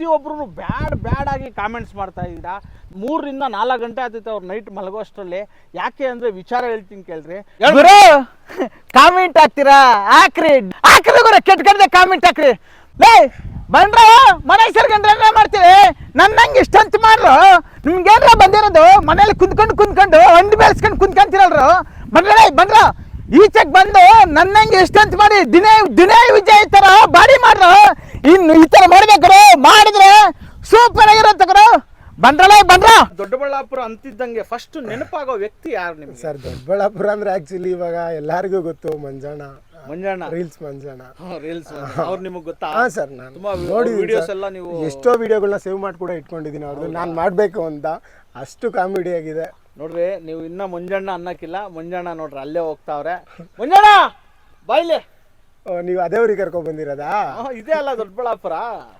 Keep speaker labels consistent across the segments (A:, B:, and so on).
A: ಪ್ರತಿಯೊಬ್ಬರು ಬ್ಯಾಡ್ ಆಗಿ ಕಾಮೆಂಟ್ಸ್ ಮಾಡ್ತಾ ಇದ್ದೀರಾ. 3 ರಿಂದ 4 ಗಂಟೆ ಆಗ್ತೈತೆ ಅವ್ರು ನೈಟ್ ಮಲಗೋಷ್ಟರಲ್ಲಿ. ಯಾಕೆ ಅಂದ್ರೆ ವಿಚಾರ ಹೇಳ್ತೀನಿ ಕೇಳ್ರಿ.
B: ಕಾಮೆಂಟ್ ಹಾಕ್ತೀರಾ? ಹಾಕ್ರಿ ಕೆಟ್ಟ ಕಾಮೆಂಟ್ ಹಾಕ್ರಿ. ಲೇ ಬಂದ್ರ ಮನೆ ಸೇರ್ಕೊಂಡ್ರೆ ಮಾಡ್ತೀವಿ. ನನ್ನಂಗೆ ಇಷ್ಟಂತ ಮಾಡ್ರು. ನಿಮ್ಗೇನ್ರ ಬಂದಿರೋದು ಮನೇಲಿ ಕುಂತ್ಕೊಂಡು ಹಂಡಿ ಬೆಳೆಸ್ಕೊಂಡು ಕುಂತ್ಕೊಂತಿರಲ್ರು. ಬಂದ್ರ ಈಚೆಗೆ ಬಂದು ನನ್ನಂಗೆ ಇಷ್ಟಂತ ಮಾಡಿ ದಿನೇ ವಿಜಯ್ ತರ ಬಾಡಿ ಮಾಡ್ರು. ಇನ್ನು ಈ ತರ ಮಾಡ್ಬೇಕ್ರು. ಮಾಡಿದ್ರೆ ಸೂಪರ್ ಆಗಿರೋ ತಗರು. ಬಂದ್ರ
A: ದೊಡ್ಡಬಳ್ಳಾಪುರ ಅಂತಿದ್ದಂಗೆ ಫಸ್ಟ್ ನೆನಪಾಗೋ ವ್ಯಕ್ತಿ ಯಾರು ನಿಮ್ಗೆ?
C: ಸರ್ ದೊಡ್ಡಬಳ್ಳಾಪುರ ಅಂದ್ರೆ ಆಕ್ಚುಲಿ ಇವಾಗ ಎಲ್ಲರಿಗೂ ಗೊತ್ತು ಮಂಜಣ್ಣ ರೀಲ್ಸ್
A: ಅವ್ರು ನಿಮಗೆ ಗೊತ್ತಾ?
C: ಹಾ ಸರ್, ನಾನು ನೋಡಿ ವಿಡಿಯೋಸ್ ಎಲ್ಲ ನೀವು ಎಷ್ಟೋ ವಿಡಿಯೋಗಳನ್ನ ಸೇವ್ ಮಾಡಿ ಕೂಡ ಇಟ್ಕೊಂಡಿದ್ದೀನಿ ಅವ್ರದ್ದು. ನಾನು ಮಾಡಬೇಕು ಅಂತ ಅಷ್ಟು ಕಾಮಿಡಿ ಆಗಿದೆ
A: ನೋಡ್ರಿ. ನೀವು ಇನ್ನ ಮಂಜಣ್ಣ ಅನ್ನಕ್ಕಿಲ್ಲ. ಮಂಜಣ್ಣ ನೋಡ್ರಿ ಅಲ್ಲೇ ಹೋಗ್ತಾವ್ರೆ. ಮಂಜಣ್ಣ ಬಾಯ್ಲೆ.
C: ನೀವು ಅದೇ ಊರಿಗೆ ಕರ್ಕೊಂಡ್ ಬಂದಿರೋದಾ?
A: ಇದೇ ಅಲ್ಲ ದೊಡ್ಡಬಳ್ಳಾಪುರ.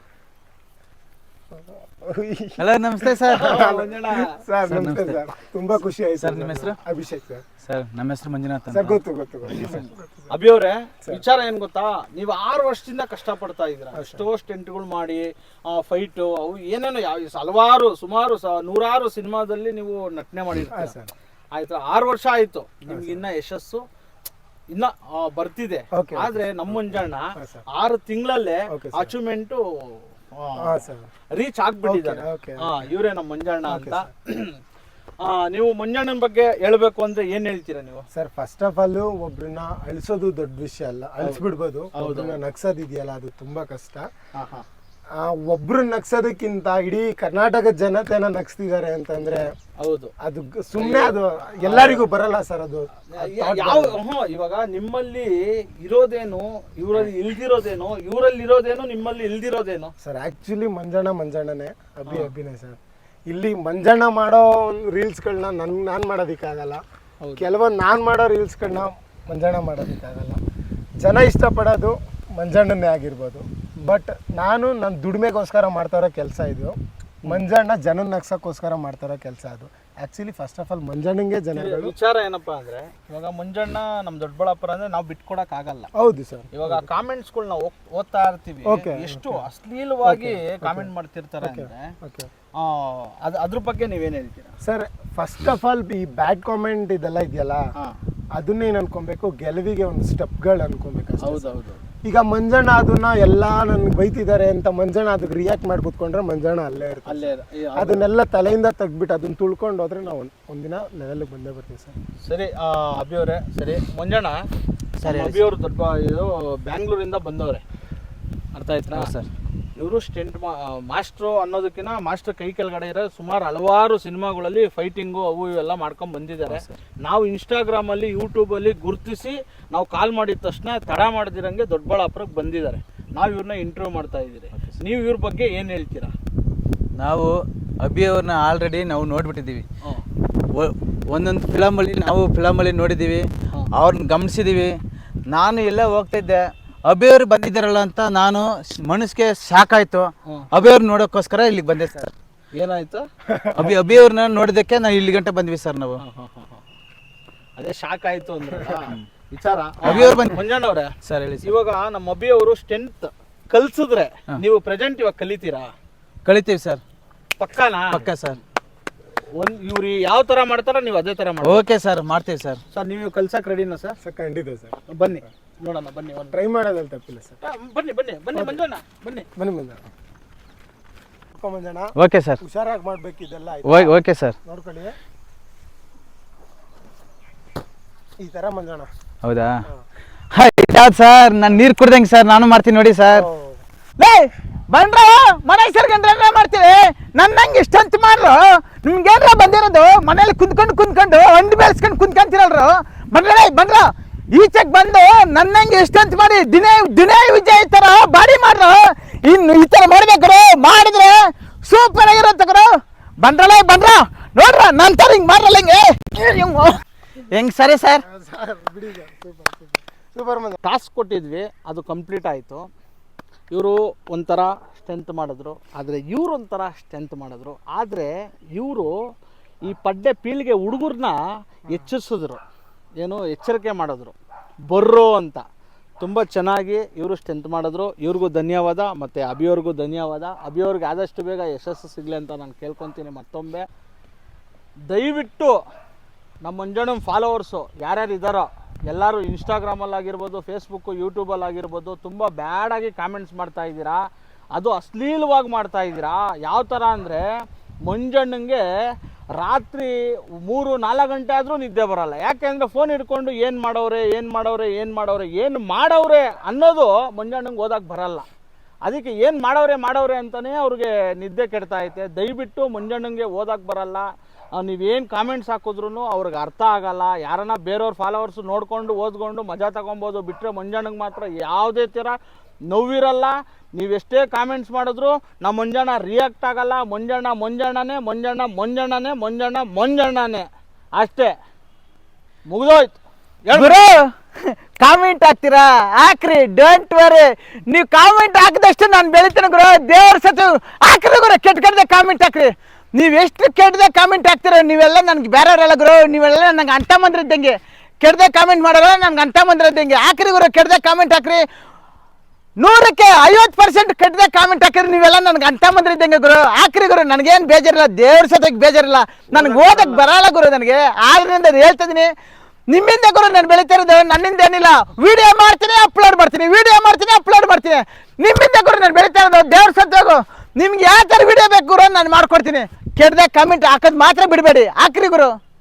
B: ಹಲೋ ನಮಸ್ತೆ ಸರ್.
C: ಸರ್ ನಮಸ್ತೆ ಸರ್, ತುಂಬಾ ಖುಷಿ ಆಯ್ತು
B: ಸರ್. ನಿಮ್ಮ ಹೆಸರು?
C: ಅಭಿಷೇಕ್ ಸರ್.
B: ಸರ್ ನಮ್ಮ ಹೆಸರು ಮಂಜುನಾಥ್
C: ಸರ್. ಗೊತ್ತು
A: ಅಭಿ ಅವ್ರೆ, ವಿಚಾರ ಏನ್ ಗೊತ್ತಾ, ನೀವು 6 ವರ್ಷದಿಂದ ಕಷ್ಟ ಪಡ್ತಾ ಇದ್ದೀರಾ. ಎಷ್ಟೋ ಸ್ಟೆಂಟ್ಗಳು ಮಾಡಿ ಫೈಟು ಅವು ಏನೇನೋ ಹಲವಾರು ಸುಮಾರು 100 ಸಿನಿಮಾದಲ್ಲಿ ನೀವು ನಟನೆ ಮಾಡಿರ್ತೀರ. ಆಯ್ತು, 6 ವರ್ಷ ಆಯ್ತು. ನಿಮ್ಗೆ ಇನ್ನ ಯಶಸ್ಸು ಇನ್ನ ಬರ್ತಿದೆ. ಆದ್ರೆ ನಮ್ಮ ಮಂಜಣ್ಣ 6 ತಿಂಗಳಲ್ಲೇ ಅಚೀವ್ಮೆಂಟ್ ರೀಚ್ ಆಗ್ಬಿಟ್ಟಿದ್ದಾರೆ. ಇವರೇ ನಮ್ಮ ಮಂಜಣ್ಣ ಅಂತ. ನೀವು ಮಂಜಣ್ಣನ ಬಗ್ಗೆ ಹೇಳ್ಬೇಕು ಅಂದ್ರೆ ಏನ್ ಹೇಳ್ತೀರಾ ನೀವು?
C: ಸರ್, ಫಸ್ಟ್ ಆಫ್ ಆಲ್ ಒಬ್ರನ್ನ ಅಳಿಸೋದು ದೊಡ್ಡ ವಿಷಯ ಅಲ್ಲ, ಅಳಿಸ್ಬಿಡ್ಬೋದು. ಒಬ್ರನ್ನ ನಗ್ಸೋದಿದೆಯಲ್ಲ ಅದು ತುಂಬಾ ಕಷ್ಟ. ಒಬ್ರು ನಗ್ಸೋದಕ್ಕಿಂತ ಇಡೀ ಕರ್ನಾಟಕದ ಜನತೆನ ನಗ್ಸ್ತಿದ್ದಾರೆ ಅಂತಂದ್ರೆ
A: ಹೌದು,
C: ಅದು ಸುಮ್ಮನೆ ಅದು ಎಲ್ಲರಿಗೂ ಬರಲ್ಲ ಸರ್. ಅದು
A: ಇವಾಗ ನಿಮ್ಮಲ್ಲಿ ಇರೋದೇನು, ಇವರಲ್ಲಿ ಇಲ್ದಿರೋದೇನು, ಇವರಲ್ಲಿ ಇರೋದೇನು, ನಿಮ್ಮಲ್ಲಿ ಇಲ್ದಿರೋದೇನು
C: ಸರ್? ಆಕ್ಚುಲಿ ಮಂಜಣ್ಣನೇ ಅಭಿನಯ ಸರ್. ಇಲ್ಲಿ ಮಂಜಣ್ಣ ಮಾಡೋ ರೀಲ್ಸ್ಗಳನ್ನ ನಾನು ಮಾಡೋದಕ್ಕಾಗಲ್ಲ. ಕೆಲವೊಂದು ನಾನು ಮಾಡೋ ರೀಲ್ಸ್ಗಳನ್ನ ಮಂಜಣ್ಣ ಮಾಡೋದಕ್ಕಾಗಲ್ಲ. ಜನ ಇಷ್ಟಪಡೋದು ಮಂಜಣ್ಣನೇ ಆಗಿರ್ಬೋದು. ಬಟ್ ನಾನು ನನ್ನ ದುಡಿಮೆಗೋಸ್ಕರ ಮಾಡ್ತಾರೋ ಕೆಲಸ ಇದು. ಮಂಜಣ್ಣ ಜನ ನಗ್ಸಕ್ಕೋಸ್ಕರ ಮಾಡ್ತಾರೋ ಕೆಲಸ ಅದು. ಆಕ್ಚುಲಿ ಫಸ್ಟ್ ಆಫ್ ಆಲ್ ಮಂಜಣ್ಣಂಗೆ ಜನಗಳು.
A: ವಿಚಾರ ಏನಪ್ಪಾ ಅಂದ್ರೆ, ಇವಾಗ ಮಂಜಣ್ಣ ನಮ್ ದೊಡ್ಡಬಳ್ಳಾಪುರ ಅಂದ್ರೆ ನಾವು ಬಿಟ್ಕೊಡಕ್ ಆಗಲ್ಲ.
C: ಹೌದು ಸರ್.
A: ಇವಾಗ ಕಾಮೆಂಟ್ಸ್ಗಳನ್ನ ಓದ್ತಾ ಇರ್ತೀವಿ, ಎಷ್ಟು ಅಶ್ಲೀಲವಾಗಿ ಕಾಮೆಂಟ್ ಮಾಡ್ತಿರ್ತಾರೆ ಅಂದ್ರೆ ಅದ್ರ ಬಗ್ಗೆ ನೀವೇನ್ ಹೇಳ್ತೀರಾ
C: ಸರ್? ಫಸ್ಟ್ ಆಫ್ ಆಲ್ ಈ ಬ್ಯಾಡ್ ಕಾಮೆಂಟ್ ಇದೆಲ್ಲ ಇದೆಯಲ್ಲ, ಅದನ್ನೇನು ಅನ್ಕೊಬೇಕು, ಗೆಲುವಿಗೆ ಒಂದು ಸ್ಟೆಪ್ಗಳು ಅನ್ಕೊಬೇಕು.
A: ಹೌದೌದು.
C: ಈಗ ಮಂಜಣ್ಣ ಅದನ್ನ ಎಲ್ಲ ನನ್ಗೆ ಬೈತಿದ್ದಾರೆ ಅಂತ ಮಂಜಣ್ಣ ಅದಕ್ಕೆ ರಿಯಾಕ್ಟ್ ಮಾಡಿ ಕೂತ್ಕೊಂಡ್ರೆ ಮಂಜಣ್ಣ ಅಲ್ಲೇ ಇರ್ತಾರೆ. ಅದನ್ನೆಲ್ಲ ತಲೆಯಿಂದ ತೆಗ್ದ್ಬಿಟ್ಟು ಅದನ್ನ ತುಳ್ಕೊಂಡು ಹೋದ್ರೆ ನಾವು ಒಂದಿನ ಲೆವೆಲ್ಗೆ ಬಂದೇ ಬರ್ತೀವಿ ಸರ್.
A: ಸರಿ ಅಭಿ ಅವರೇ, ಸರಿ ಮಂಜಣ್ಣ ಸರಿ, ಅಭಿ ಅವರು ದೊಡ್ಡ ಇದು ಬ್ಯಾಂಗ್ಳೂರಿಂದ ಬಂದವ್ರೆ, ಅರ್ಥ ಆಯ್ತಾ ಸರ್? ಇವರು ಸ್ಟೆಂಟ್ ಮಾಸ್ಟ್ರು ಅನ್ನೋದಕ್ಕಿಂತ ಮಾಸ್ಟರ್ ಕೈ ಕೆಳಗಡೆ ಇರೋ ಸುಮಾರು ಹಲವಾರು ಸಿನಿಮಾಗಳಲ್ಲಿ ಫೈಟಿಂಗು ಅವು ಇವೆಲ್ಲ ಮಾಡ್ಕೊಂಡು ಬಂದಿದ್ದಾರೆ. ನಾವು ಇನ್ಸ್ಟಾಗ್ರಾಮಲ್ಲಿ ಯೂಟ್ಯೂಬಲ್ಲಿ ಗುರುತಿಸಿ ನಾವು ಕಾಲ್ ಮಾಡಿದ ತಕ್ಷಣ ತಡ ಮಾಡ್ದಿರಂಗೆ ದೊಡ್ಡಬಳ್ಳಾಪುರಕ್ಕೆ ಬಂದಿದ್ದಾರೆ. ನಾವು ಇವ್ರನ್ನ ಇಂಟರ್ವ್ಯೂ ಮಾಡ್ತಾ ಇದ್ದೀರಿ. ನೀವು ಇವ್ರ ಬಗ್ಗೆ ಏನು ಹೇಳ್ತೀರಾ?
B: ನಾವು ಅಭಿ ಅವ್ರನ್ನ ಆಲ್ರೆಡಿ ನಾವು ನೋಡ್ಬಿಟ್ಟಿದ್ದೀವಿ. ಒಂದೊಂದು ಫಿಲಮಲ್ಲಿ ನೋಡಿದ್ದೀವಿ, ಅವ್ರನ್ನ ಗಮನಿಸಿದ್ದೀವಿ. ನಾನು ಎಲ್ಲ ಹೋಗ್ತಾಯಿದ್ದೆ, ಅಭಿಯವ್ರು ಬಂದಿದ್ದಾರಲ್ಲ ಅಂತ ನಾನು ಮನಸ್ಸಿಗೆ ಸಾಕಾಯ್ತು. ಅಭಿಯವ್ರು ನೋಡೋಕ್ಕೋಸ್ಕರ ಇಲ್ಲಿಗೆ ಬಂದೆ ಸರ್.
A: ಏನಾಯ್ತು?
B: ಅಭಿಯವ್ರನ್ನ ನೋಡಿದಕ್ಕೆ ನಾವು ಇಲ್ಲಿ ಗಂಟೆ ಬಂದ್ವಿ ಸರ್. ನಾವು
A: ಅದೇ ಶಾಕ್ ಆಯ್ತು ಅಂದ್ರೆ ವಿಚಾರ.
B: ಅಭಿಯವ್ರು ಬಂದು
A: ಮಂಜಣ್ಣ ಅವ್ರೆ
B: ಸರ್ ಹೇಳಿ.
A: ಇವಾಗ ನಮ್ಮ ಅಭಿಯವರು ಸ್ಟೆಂಟ್ ಕಲ್ಸಿದ್ರೆ ನೀವು ಪ್ರೆಸೆಂಟ್ ಇವಾಗ ಕಲಿತೀರಾ?
B: ಕಲಿತೀವಿ ಸರ್.
A: ಪಕ್ಕಾನಾ?
B: ಪಕ್ಕ ಸರ್.
A: ಇವ್ರು ಯಾವ ತರ ಮಾಡ್ತಾರ ನೀವು ಅದೇ ತರ ಮಾಡಿ.
B: ಓಕೆ ಸರ್, ಮಾಡ್ತೀವಿ ಸರ್.
A: ಸರ್ ನೀವು ಕಲ್ಸಕ್ ರೆಡಿನಾ ಸರ್?
C: ಸರ್ ಖಂಡಿತ ಸರ್.
A: ಬನ್ನಿ ನೋಡೋಣ, ಬನ್ನಿ
C: ಟ್ರೈ ಮಾಡೋದ್ರಲ್ಲಿ ತಪ್ಪಿಲ್ಲ ಸರ್.
A: ಬನ್ನಿ ಮಂಜಣ್ಣ, ಬನ್ನಿ
C: ಮಂಜಣ್ಣ.
B: ಓಕೆ ಸರ್,
C: ಹುಷಾರಾಗಿ ಮಾಡ್ಬೇಕಿದೆಲ್ಲ.
B: ಓಕೆ ಸರ್,
C: ನೋಡ್ಕೊಳ್ಳಿ ಈ ತರ ಮಂಜಣ್ಣ.
B: ಹೌದಾ? ಯಾವ್ದು ಸರ್? ನಾನು ನೀರು ಕುಡ್ದಂಗೆ ಸರ್, ನಾನು ಮಾಡ್ತೀನಿ ನೋಡಿ ಸರ್. ಬಂದ್ರ ಮನೆ ಸೇರ್ಕೊಂಡ್ರೆ ಮಾಡ್ತೀವಿ. ನನ್ನಂಗೆ ಇಷ್ಟಂತ ಮಾಡ್ರು. ನಿಮ್ಗೇನ್ರ ಬಂದಿರೋದು ಮನೇಲಿ ಕುಂತ್ಕೊಂಡು ಹಂಡಿ ಬೆಳೆಸ್ಕೊಂಡು ಕುಂತ್ಕೊಂತಿರಲ್ರು. ಬಂದ್ರ ಈಚೆಗೆ ಬಂದು ನನ್ನಂಗೆ ಇಷ್ಟಂತ ಮಾಡಿ ದಿನೇ ವಿಜಯ್ ತರ ಬಾಡಿ ಮಾಡ್ರು. ಇನ್ನು ಈ ತರ ಮಾಡ್ಬೇಕ್ರು. ಮಾಡಿದ್ರೆ ಸೂಪರ್ ಆಗಿರೋ ತಗರು. ಬಂದ್ರ ನೋಡ್ರ ನನ್ನ ತರ ಹಿಂಗ್ ಮಾಡ್ರಲ್ಲ ಹೆಂಗ್ ಸರಿ ಸರ್.
C: ಸೂಪರ್
A: ಟಾಸ್ಕ್ ಕೊಟ್ಟಿದ್ವಿ, ಅದು ಕಂಪ್ಲೀಟ್ ಆಯಿತು. ಇವರು ಒಂಥರ ಸ್ಟ್ರೆಂತ್ ಮಾಡಿದ್ರು, ಆದರೆ ಇವರು ಒಂಥರ ಸ್ಟ್ರೆಂತ್ ಮಾಡಿದ್ರು. ಆದರೆ ಇವರು ಈ ಪಡ್ಡೆ ಪೀಳಿಗೆ ಹುಡುಗರನ್ನ ಎಚ್ಚರಿಸಿದ್ರು, ಏನು ಎಚ್ಚರಿಕೆ ಮಾಡಿದ್ರು, ಬರ್ರೋ ಅಂತ. ತುಂಬ ಚೆನ್ನಾಗಿ ಇವರು ಸ್ಟ್ರೆಂತ್ ಮಾಡಿದ್ರು. ಇವ್ರಿಗೂ ಧನ್ಯವಾದ, ಮತ್ತು ಅಭಿಯವ್ರಿಗೂ ಧನ್ಯವಾದ. ಅಭಿಯವ್ರಿಗೆ ಆದಷ್ಟು ಬೇಗ ಯಶಸ್ಸು ಸಿಗಲಿ ಅಂತ ನಾನು ಕೇಳ್ಕೊತೀನಿ. ಮತ್ತೊಮ್ಮೆ ದಯವಿಟ್ಟು ನಮ್ಮ ಮಂಜಣ್ಣನ ಫಾಲೋವರ್ಸು ಯಾರ್ಯಾರು ಇದ್ದಾರೋ ಎಲ್ಲರೂ ಇನ್ಸ್ಟಾಗ್ರಾಮಲ್ಲಾಗಿರ್ಬೋದು, ಫೇಸ್ಬುಕ್ಕು, ಯೂಟ್ಯೂಬಲ್ಲಾಗಿರ್ಬೋದು ತುಂಬ ಬ್ಯಾಡಾಗಿ ಕಾಮೆಂಟ್ಸ್ ಮಾಡ್ತಾ ಇದ್ದೀರಾ. ಅದು ಅಶ್ಲೀಲವಾಗಿ ಮಾಡ್ತಾ ಇದ್ದೀರಾ. ಯಾವ ಥರ ಅಂದರೆ ಮಂಜಣ್ಣಂಗೆ ರಾತ್ರಿ 3-4 ಗಂಟೆ ಆದರೂ ನಿದ್ದೆ ಬರೋಲ್ಲ. ಯಾಕೆಂದರೆ ಫೋನ್ ಹಿಡ್ಕೊಂಡು ಏನು ಮಾಡವ್ರೆ ಅನ್ನೋದು ಮಂಜಣ್ಣಂಗೆ ಓದಕ್ಕೆ ಬರಲ್ಲ. ಅದಕ್ಕೆ ಏನು ಮಾಡವ್ರೆ ಅಂತಲೇ ಅವ್ರಿಗೆ ನಿದ್ದೆ ಕೆಡ್ತಾ ಐತೆ. ದಯವಿಟ್ಟು ಮಂಜಣ್ಣಂಗೆ ಓದಕ್ಕೆ ಬರಲ್ಲ, ನೀವೇನು ಕಾಮೆಂಟ್ಸ್ ಹಾಕಿದ್ರೂ ಅವ್ರಿಗೆ ಅರ್ಥ ಆಗಲ್ಲ. ಯಾರನ್ನ ಬೇರೆಯವ್ರ ಫಾಲೋವರ್ಸು ನೋಡಿಕೊಂಡು ಓದ್ಕೊಂಡು ಮಜಾ ತಗೊಬೋದು, ಬಿಟ್ಟರೆ ಮಂಜಣ್ಣಂಗೆ ಮಾತ್ರ ಯಾವುದೇ ಥರ ನೋವಿರಲ್ಲ. ನೀವೆಷ್ಟೇ ಕಾಮೆಂಟ್ಸ್ ಮಾಡಿದ್ರು ನಮ್ಮ ಮಂಜಣ್ಣ ರಿಯಾಕ್ಟ್ ಆಗಲ್ಲ. ಮಂಜಣ್ಣನೇ ಅಷ್ಟೇ, ಮುಗಿದೋಯ್ತು.
B: ಗುರು ಕಾಮೆಂಟ್ ಹಾಕ್ತೀರಾ ಹಾಕ್ರಿ, ಡೋಂಟ್ ವರಿ. ನೀವು ಕಾಮೆಂಟ್ ಹಾಕಿದಷ್ಟು ನಾನು ಬೆಳಿತೇನೆ ಗುರು. ದೇವ್ರ ಸತ್ತು ಹಾಕ್ರಿ ಗುರು, ಕೆಟ್ಟದೆ ಕಾಮೆಂಟ್ ಹಾಕ್ರಿ. ನೀವು ಎಷ್ಟು ಕೆಟ್ಟದೆ ಕಾಮೆಂಟ್ ಹಾಕ್ತೀರ ನೀವೆಲ್ಲ ನನಗೆ ಬೇರೆಯವರೆಲ್ಲ ಗುರು. ನೀವೆಲ್ಲ ನಂಗೆ ಅಂಟ ಮಂದ್ರಿದ್ದಂಗೆ. ಕೆಟ್ಟದೆ ಕಾಮೆಂಟ್ ಮಾಡೋಲ್ಲ, ನನ್ಗೆ ಅಂಟ ಮಂದ್ರಿದ್ದಂಗೆ. ಹಾಕ್ರಿ ಗುರು, ಕೆಟ್ಟದೆ ಕಾಮೆಂಟ್ ಹಾಕ್ರಿ. 100ಕ್ಕೆ 50% ಕೆಟ್ಟದೆ ಕಾಮೆಂಟ್ ಹಾಕಿರಿ ನೀವೆಲ್ಲ ನನಗೆ ಅಂಟ ಮಂದ್ರಿದ್ದಂಗೆ ಗುರು. ಹಾಕ್ರಿ ಗುರು, ನನಗೇನು ಬೇಜಾರಿಲ್ಲ, ದೇವ್ರ ಸತ್ಯಕ್ಕೆ ಬೇಜಾರಿಲ್ಲ. ನನಗೆ ಓದಕ್ಕೆ ಬರಲ್ಲ ಗುರು. ನನಗೆ ಆದ್ರಿಂದ ಹೇಳ್ತಿದ್ದೀನಿ, ನಿಮ್ಮಿಂದ ಗುರು ನಾನು ಬೆಳೀತಾ ಇರೋದು, ನನ್ನಿಂದ ಏನಿಲ್ಲ. ವಿಡಿಯೋ ಮಾಡ್ತೀನಿ, ಅಪ್ಲೋಡ್ ಮಾಡ್ತೀನಿ. ನಿಮ್ಮಿಂದ ಗುರು ನಾನು ಬೆಳೀತಾ ಇರೋದು. ದೇವ್ರ ಸತ್ಯಗು ನಿಮ್ಗೆ ಯಾವ ಥರ ವಿಡಿಯೋ ಬೇಕು ಗುರು ನಾನು ಮಾಡ್ಕೊಡ್ತೀನಿ. ಕೆಟ್ಟದೆ ಕಾಮೆಂಟ್ ಹಾಕೋದು ಮಾತ್ರ ಬಿಡಬೇಡಿ. ಹಾಕ್ರಿ ಗುರು.